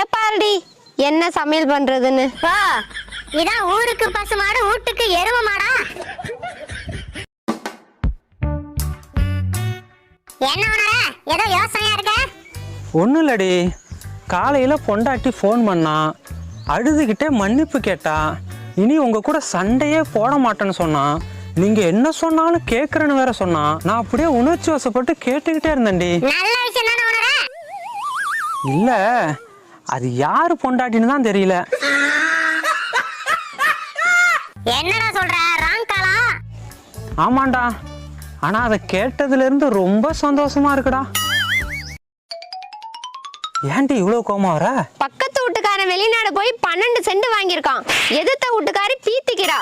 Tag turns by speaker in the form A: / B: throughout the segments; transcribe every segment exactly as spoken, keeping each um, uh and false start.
A: கேப்பாருடி என்ன சமையல் பண்றதுன்னு.
B: ஓ இதான் ஊருக்கு பசு மாடு வீட்டுக்கு எருவ மாடா? என்ன உணர ஏதோ யோசனையா இருக்க?
C: ஒன்றும் இல்லடி, காலையில் பொண்டாட்டி ஃபோன் பண்ணா, அழுதுகிட்டே மன்னிப்பு கேட்டா, இனி உங்கள் கூட சண்டையே போட மாட்டேன்னு சொன்னான். நீங்கள் என்ன சொன்னாலும் கேட்குறேன்னு வேற சொன்னா. நான் அப்படியே உணர்ச்சி வசப்பட்டு கேட்டுக்கிட்டே இருந்தேன்டி.
B: நல்ல விஷயம் தானே உணர?
C: இல்லை, அது யாரு பொண்டாட்டின்னு தான் தெரியல.
B: என்னடா சொல்ற? ராங் காலா?
C: ஆமாண்டா, ஆனால் அதை கேட்டதுலேருந்து ரொம்ப சந்தோஷமா இருக்குடா. ஏன்டி இவ்வளோ கோமா வர?
A: பக்கத்து வீட்டுக்காரன் வெளிநாடு போய் பன்னெண்டு சென்ட் வாங்கியிருக்கான். எதிர்த்த வீட்டுக்காரி பீத்திக்கிறா.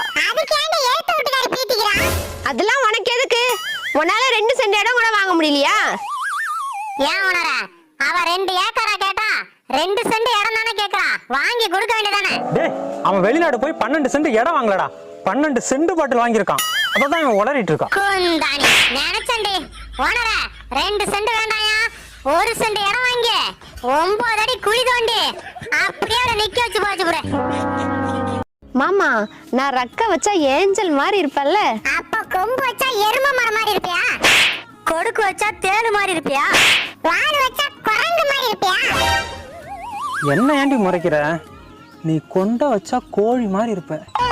A: அதெல்லாம் உனக்கு எதுக்கு? உன்னால ரெண்டு சென்ட் இடம் கூட வாங்க முடியலையா?
B: ஏன் உணர? அவ ரெண்டு ஏக்கரா கேட்டா ரெண்டு சென்ட் இடம் தானே கேக்குறா, வாங்கி கொடுக்க வேண்டியதானே?
C: டேய், அவன் வெளிநாடு போய் பன்னெண்டு சென்ட் இடம் வாங்கலடா, பன்னெண்டு சென்ட் பாட்டில் வாங்கியிருக்கான். அதான் இவன் உளறிட்டு இருக்கான்.
B: குந்தாணி நினைச்சண்டி. உணர ரெண்டு சென்ட் வேண்டாயா, ஒரு சென்ட் இடம் வாங்கி ஒன்பது அடி குழி தோண்டி அப்படியே அவரை நிக்க வச்சு போச்சு புற.
A: மாமா, நான் ரக்க வச்சா ஏஞ்சல் மாதிரி இருப்பல்ல?
B: அப்ப கொம்பு வச்சா எரும மரம் மாதிரி இருப்பியா? கொடுக்கு வச்சா தேனு மாதிரி இருப்பியா? வாடு வச்சா குரங்கு மாதிரி இருப்பியா?
C: என்ன ஏண்டி முறைக்கிற? நீ கொண்ட வச்சா கோழி மாதிரி இருப்ப.